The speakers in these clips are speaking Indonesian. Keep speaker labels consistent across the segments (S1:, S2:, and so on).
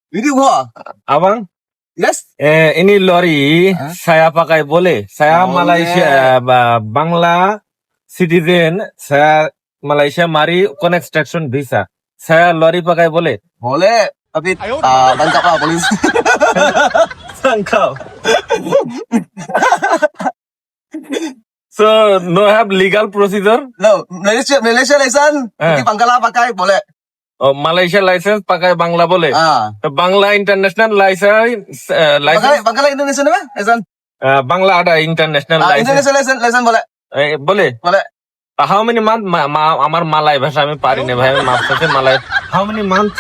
S1: Ini gua.
S2: Abang,
S1: Yes.
S2: ini lori saya pakai boleh. Saya
S1: Boleh.
S2: Malaysia, Bangla citizen. Saya Malaysia mari construction visa. Saya lori pakai boleh.
S1: Boleh. Tapi tangkap lah polis.
S2: Tangkap. So no have legal procedure.
S1: No, Malaysia license. Pergi Bangla pakai boleh.
S2: Oh, Malaysia license pakai Bangla boleh.
S1: Ah.
S2: Bangla international license,
S1: Bangla Indonesia apa? License.
S2: Bangla ada international license.
S1: Indonesia license boleh.
S2: boleh.
S1: Boleh.
S2: How many month? আমার মালাই ভাষা আমি পারি না ভাই, আমি মাপ সাথে মালাই. How many months?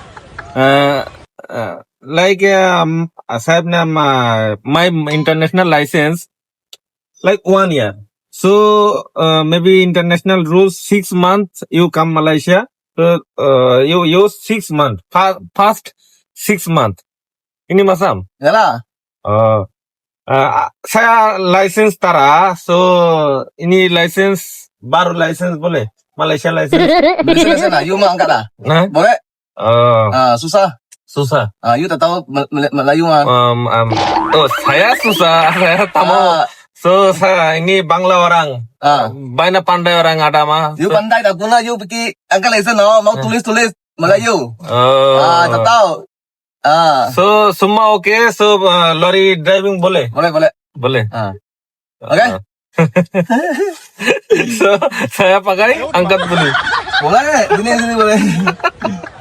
S2: Like সাহেব না my international license like 1 year. So maybe international rules 6 months you come Malaysia. So you use 6 months. First 6 months. Ini masam.
S1: Yalah.
S2: Saya license tara. So ini license baru license boleh? Malaysia license.
S1: Malaysia license lah. You mau angkat lah.
S2: Nah,
S1: Boleh. Susah.
S2: susah.
S1: You tak tahu Melayu mah.
S2: Saya susah. Saya tak mau. So saya ini Bangla orang. Banyak pandai orang ada mah.
S1: You pandai tak guna. You pergi angkat license no. Mau tulis Melayu. Tak tahu.
S2: So semua oke. So lori driving boleh?
S1: Boleh.
S2: Boleh.
S1: Okay.
S2: So saya pakai angkat boleh.
S1: Boleh. Sini boleh.